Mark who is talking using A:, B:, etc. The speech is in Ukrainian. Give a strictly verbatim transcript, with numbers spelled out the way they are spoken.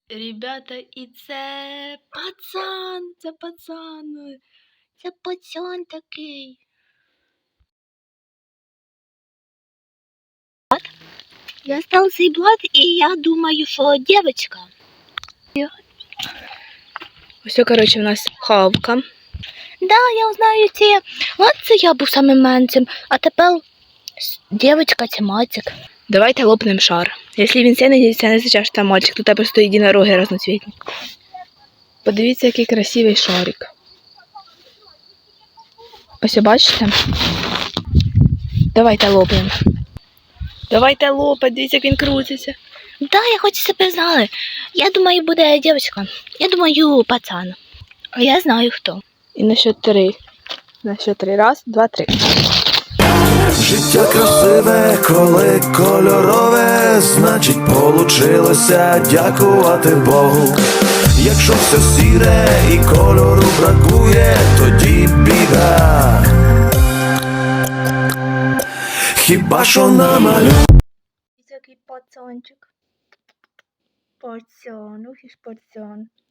A: Ребята, і це пацан, це пацан, це пацан такий. Я став цей блат, і я думаю, що дівчинка. Ось, коротше, у нас хавка. Да, я знаю ці. От це я був самим менцем, а тепер дівчинка це мальчик. Давайте лопнем шар. Якщо він синий, це не означає, що там мальчик, тут просто єдинороги разноцвітні. Подивіться, який красивий шарик. Ось, бачите? Давайте лопнем. Давайте лопать, дивіться, як він крутиться. Да, я хочу себе знали. Я думаю, буде дівчинка. Я думаю, пацан. А я знаю, хто. І на счет три. На счет три. Раз, два, три.
B: Життя красиве, коли кольорове, значить получилося дякувати Богу. Якщо все сіре і кольору бракує, тоді біда. Хіба що намалює.
A: Який пацанчик. Пацан, ух і ж пацан.